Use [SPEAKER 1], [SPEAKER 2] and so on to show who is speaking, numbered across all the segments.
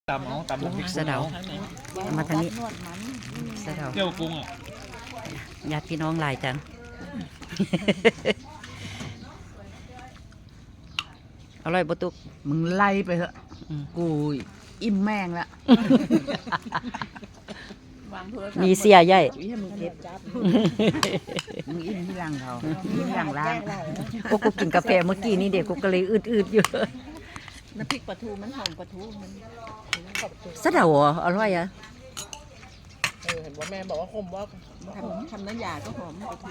[SPEAKER 1] ตำเอาตำพริก
[SPEAKER 2] สะเดามาทางนี้สะเดา
[SPEAKER 1] เจียวกุ้งอ่ะ
[SPEAKER 2] ญาติพี่น้องหลายจัง อร่อยบ่ตุก
[SPEAKER 3] มึงไล่ไปเถอะ
[SPEAKER 2] อืม
[SPEAKER 3] กูอิ่มแม่งละ
[SPEAKER 2] มีเสียใหญ่
[SPEAKER 3] วิให้มึงเก็บจับมึงอิ่มที่หลังเขาที่หลังร้าน
[SPEAKER 2] กูกินกาแฟเมื่อกี้นี่เด็กกูก็เลยอืดๆอยู่
[SPEAKER 4] น้ำพริกปลาทูมันหอมปลาทูมัน
[SPEAKER 2] สะเดาเหรออร่อยอ่ะ
[SPEAKER 4] เห็นว่าแม่บอกว่าขมว่าทำน้ำยาก็หอมปลาทู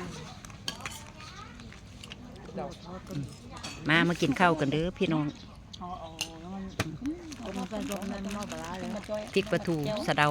[SPEAKER 2] มากินข้าวกันเด้อพี่น้อง
[SPEAKER 4] เอาแล้วมันใส่รสนั่นนอกปลาเลย
[SPEAKER 2] พริกปลาทูสะเดา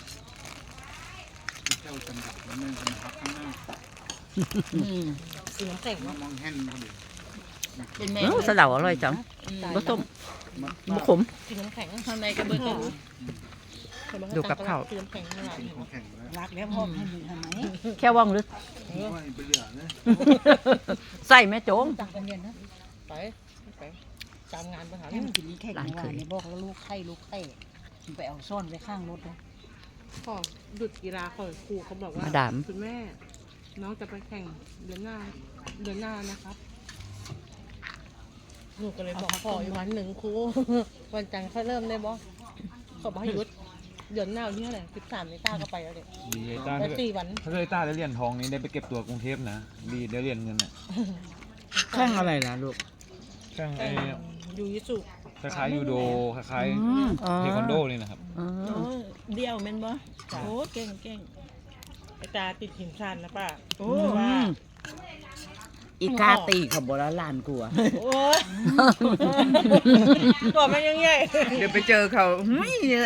[SPEAKER 1] เจียวจำกัดแล้วมันเป็นพักข้างหน้า
[SPEAKER 4] สีน้ำแข็ง
[SPEAKER 1] มองแห้งพอดี
[SPEAKER 4] เป็นแม่
[SPEAKER 2] สะเดาอร่อยจังบ่ต้มบ่ขม
[SPEAKER 4] สีน้ำแข็งข้างในกระเบื้อง
[SPEAKER 2] ดูกับข้าว
[SPEAKER 4] สีน้ำแข็งข้างใน
[SPEAKER 1] ของแข็งแล้ว
[SPEAKER 3] รักแล้วพ่อให้มึงทำไม
[SPEAKER 2] แค่ว่องหรือ
[SPEAKER 1] ว่าไปเหลือเลย
[SPEAKER 2] ใส่แม่โจง
[SPEAKER 4] ต่างกันเย็นนะไปตามงานประหาร
[SPEAKER 3] ให้มึงกินนี้แค่ไหนวะเนี่ยบอกแล้วลูกไข่มึงไปเอาซ่อนไว้ข้างรถเลย
[SPEAKER 5] ขอหยุดกีฬาของครูเขาบอกว่า
[SPEAKER 2] มาดาม
[SPEAKER 5] คุณแม่ น้องจะไปแข่งเดือนหน้านะครับหนูก็เลยบอกขออีกวันหนึ่งครู วันจันทร์ค่อยเริ่มได้บ่เขาบอกให้หยุดเดือนหน้าวันที่เท่าไหร่13นี่ต้าก็ไปแล้วเด็ก
[SPEAKER 1] ดีไอ้ต้า
[SPEAKER 5] ไป
[SPEAKER 1] ถ้าเกิด
[SPEAKER 5] 4 วัน
[SPEAKER 1] ถ้าเกิดไอ้ต้าได้เหรียญทองนี้ได้ไปเก็บตัวกรุงเทพนะดีได้เหรียญเงินอ่ะ
[SPEAKER 3] แข่งอะไรล่ะลูก
[SPEAKER 1] แข่งไอ้
[SPEAKER 5] ยูยิสุ
[SPEAKER 1] คล้ายๆยูโดคล้าย
[SPEAKER 2] อ๋อ
[SPEAKER 1] ๆเทควันโดนี่นะครับ
[SPEAKER 2] อ๋อ
[SPEAKER 5] เดี่ยวแม่นบ่โอ้เก่งไอตาติดหินชันนะป้าโอ้
[SPEAKER 3] อื
[SPEAKER 5] ว่า
[SPEAKER 3] มอีกาตีเขาบอกแล้วหลานกูอะ
[SPEAKER 5] โอ้ยตัวมันยังใหญ่
[SPEAKER 3] เดี๋ยวไปเจอเขาเฮ้ยเนี่ย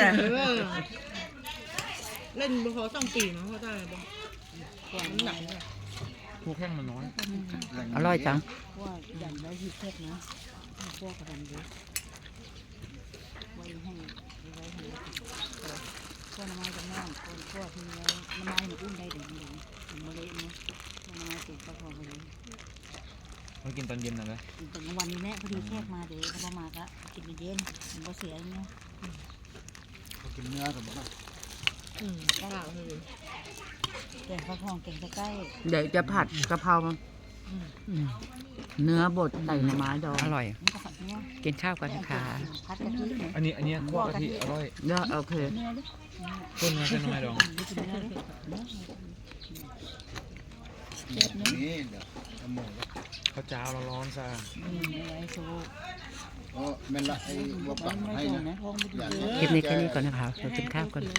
[SPEAKER 5] เล่นบอล2 ปีเนาะเขาได้บอลน้ำหนักเนี่ย
[SPEAKER 1] คู่แข่งมันน้อย
[SPEAKER 2] อร่อยจัง
[SPEAKER 3] ว่าอย่างไรที่เทศนะพวกกระดันเยอะไว้ให้ไว้ให้พวกน้ำไม้จะแน่นพวกที่น้ำไม้มันอุ้มได้เดี๋ยวนี้มันเละเนาะน้ำไม้ติดก็พอไปเลย
[SPEAKER 1] มากินตอนเย็นนะเลย
[SPEAKER 3] ถึงวันนี้แม่พอดีแขกมาเดี๋ยวเขามาก็กินเย็นมันก็เสียเนาะ
[SPEAKER 1] กินเนื้อกับบ้า
[SPEAKER 5] ก็หลังเลย
[SPEAKER 3] แกงข้าวทองแกงใกล้
[SPEAKER 2] เดี๋ยวจะผัดกะเพราเนื้อบดใส่หน่อไม้ดองอร่อย
[SPEAKER 3] มันก็ผัดเนื้อ
[SPEAKER 2] กินข้าวกันนะคะ
[SPEAKER 3] ผัดกะทิเนี่ย
[SPEAKER 1] อันนี้คั่วกะทิอร่อย
[SPEAKER 2] เนื้อโอเค
[SPEAKER 3] เนื้อดิ
[SPEAKER 1] ต้นเนื้อเส้นไม้ดอง
[SPEAKER 3] กินเนื้อดิเนื้อ
[SPEAKER 6] นี่เดี๋ยวทำหมู
[SPEAKER 1] ข้าวเจ้าร้อนๆซะ
[SPEAKER 3] ไอ้โซ่
[SPEAKER 6] เพราะแม่นละไอ้วัวปัก
[SPEAKER 3] ไม่
[SPEAKER 6] ให้
[SPEAKER 3] ตรง
[SPEAKER 6] นะ
[SPEAKER 3] นะท้องไม่ดี
[SPEAKER 2] คลิปนี้แค่นี้ก่อนนะคะเรากินข้าวกัน